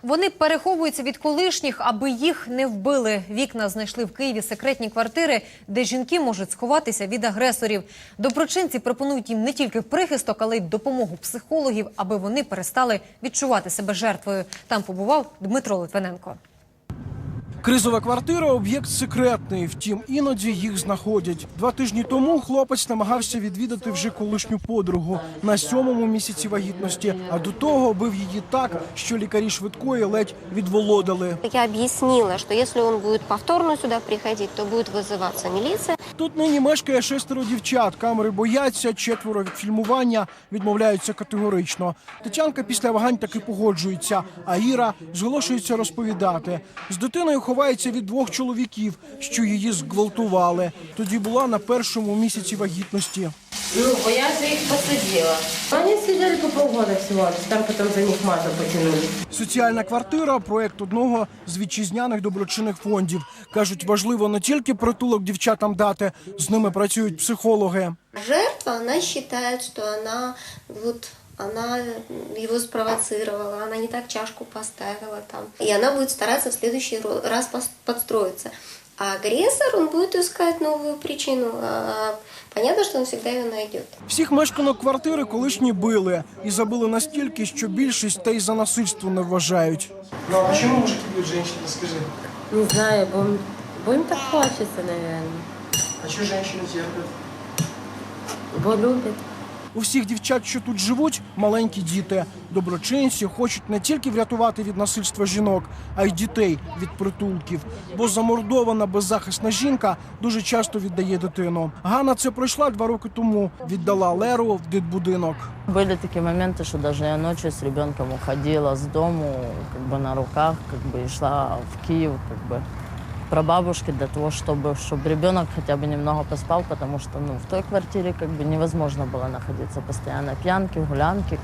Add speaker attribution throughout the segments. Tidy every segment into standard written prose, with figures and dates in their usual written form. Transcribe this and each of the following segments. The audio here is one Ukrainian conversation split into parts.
Speaker 1: Вони переховуються від колишніх, аби їх не вбили. Вікна знайшли в Києві секретні квартири, де жінки можуть сховатися від агресорів. Доброчинці пропонують їм не тільки прихисток, але й допомогу психологів, аби вони перестали відчувати себе жертвою. Там побував Дмитро Литвиненко.
Speaker 2: Кризова квартира – об'єкт секретний, втім, іноді їх знаходять. 2 тижні тому хлопець намагався відвідати вже колишню подругу на 7-му місяці вагітності, а до того бив її так, що лікарі швидкої ледь відволодили.
Speaker 3: Я об'яснила, що якщо він буде повторно сюди приходити, то буде визиватися міліція.
Speaker 2: Тут нині мешкає 6 дівчат. Камери бояться, 4 від фільмування відмовляються категорично. Тетянка після вагань таки погоджується, а Іра зголошується розповідати. З дитиною ховається від 2 чоловіків, що її зґвалтували. Тоді була на 1-му місяці вагітності.
Speaker 4: Ну, бо я же их посадила. Они сидели по полгода всего, там потом за них мазу потянули.
Speaker 2: Соціальна квартира – проєкт одного з вітчизняних доброчинних фондів. Кажуть, важливо не тільки притулок дівчатам дати, з ними працюють психологи.
Speaker 3: Жертва, она считает, что она его спровоцировала, она не так чашку поставила там. И она будет стараться в следующий раз подстроиться. А агрессор, он будет искать новую причину. Понятно, что он всегда ее найдет.
Speaker 2: Всіх мешканок квартири колишні били. І забили настільки, що більшість та й за насильство не вважають. Ну а чому мужики б'ють жінок, скажи?
Speaker 4: Не знаю, бо им так хочется, наверное.
Speaker 2: А що жінки терплять?
Speaker 4: Бо любят.
Speaker 2: У всіх дівчат, що тут живуть, маленькі діти. Доброчинці хочуть не тільки врятувати від насильства жінок, а й дітей від притулків. Бо замордована беззахисна жінка дуже часто віддає дитину. Ганна це пройшла 2 роки тому. Віддала Леру в дитбудинок.
Speaker 5: Были такие моменты, что даже я ночью с ребенком уходила с дому, на руках, и шла в Киев, прабабушки для того, чтобы ребенок хотя бы немного поспал, потому что в той квартире невозможно было находиться постоянно. Пьянки, гулянки,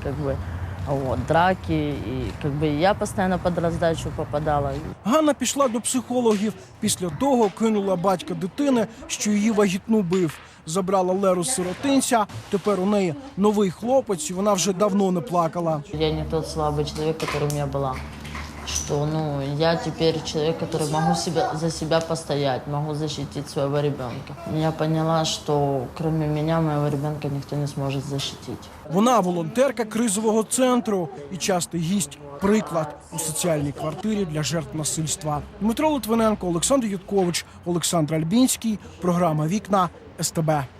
Speaker 5: драки, и я постоянно под раздачу попадала.
Speaker 2: Ганна пішла до психологів. Після того кинула батька дитини, що її вагітну бив. Забрала Леру з сиротинця. Тепер у неї новий хлопець, і вона вже давно не плакала.
Speaker 5: Я не тот слабый человек, которым я была. Что, я теперь человек, который могу за себя постоять, могу защитить своего ребенка. Я поняла, что кроме меня, моего ребенка никто не сможет защитить.
Speaker 2: Вона волонтерка кризового центру і частий гість, приклад у соціальній квартирі для жертв насильства. Дмитро Литвиненко, Олександр Юткович, Олександр Альбінський. Програма «Вікна» СТБ.